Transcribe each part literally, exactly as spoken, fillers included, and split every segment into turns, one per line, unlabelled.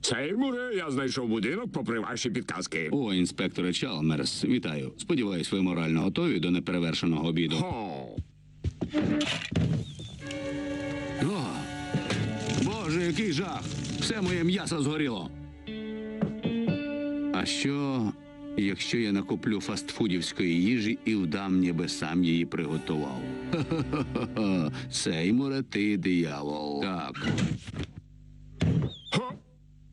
Сеймуре, я знайшов будинок попри ваші підказки.
О, інспекторе Чалмерс, вітаю. Сподіваюсь, ви морально готові до неперевершеного обіду.
О,
О, Боже, який жах! Все моє м'ясо згоріло. А що, якщо я накуплю фастфудівської їжі і вдам, ніби сам її приготував? Ха-ха-ха-ха. Сеймуре, ти диявол. Так.
хо.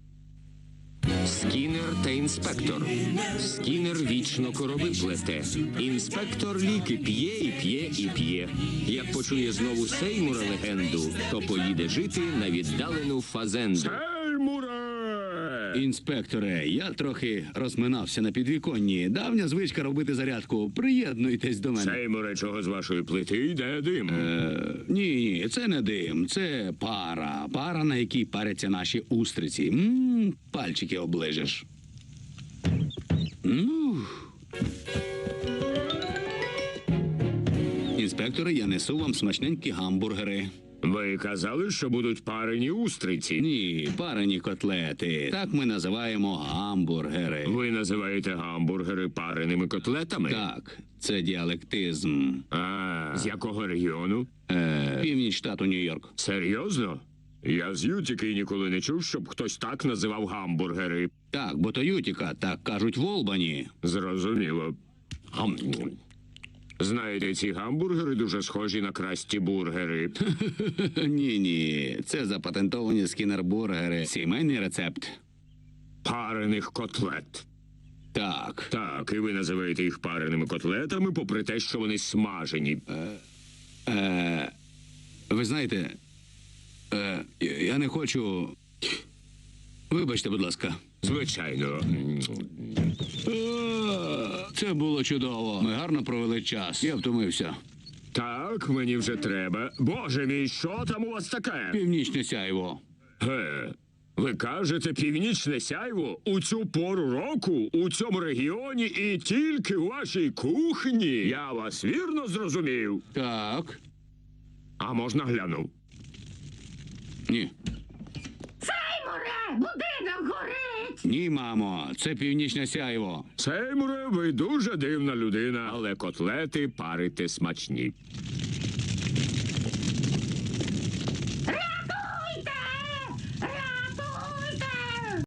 Скінер та інспектор. Скінер вічно корови плете. Інспектор ліки п'є і п'є і п'є. Як почує знову Сеймура легенду, то поїде жити на віддалену фазенду.
Сеймуре!
Інспекторе, я трохи розминався на підвіконні. Давня звичка робити зарядку. Приєднуйтесь до мене.
Сеймуре, чого з вашої плити йде дим?
Е, ні, ні, це не дим, це пара. Пара, на якій паряться наші устриці. М-м, пальчики оближеш. Ну. Інспекторе, я несу вам смачненькі гамбургери.
Ви казали, що будуть парені устриці.
Ні, парені котлети. Так ми називаємо гамбургери.
Ви називаєте гамбургери пареними котлетами?
Так, це діалектизм.
А, з якого регіону?
Е, північ штату Нью-Йорк.
Серйозно? Я з Ютіки ніколи не чув, щоб хтось так називав гамбургери.
Так, бо то Ютіка, так кажуть в Олбані.
Зрозуміло. Гам. Знаєте, ці гамбургери дуже схожі на красті бургери.
Ні, ні, це запатентовані скінер-бургери. Сімейний рецепт.
Парених котлет.
Так.
Так, і ви називаєте їх пареними котлетами, попри те, що вони смажені.
Е, ви знаєте, е, я не хочу. Вибачте, будь ласка.
Звичайно.
Е, Це було чудово. Ми гарно провели час. Я втомився.
Так, мені вже треба. Боже мій, що там у вас таке?
Північне сяйво.
Ге, ви кажете північне сяйво? У цю пору року, у цьому регіоні і тільки у вашій кухні? Я вас вірно зрозумів.
Так.
А можна глянув?
Ні.
Сеймуре, будинок горить!
Ні, мамо, це північне сяйво.
Сеймуре, ви дуже дивна людина, але котлети парите смачні.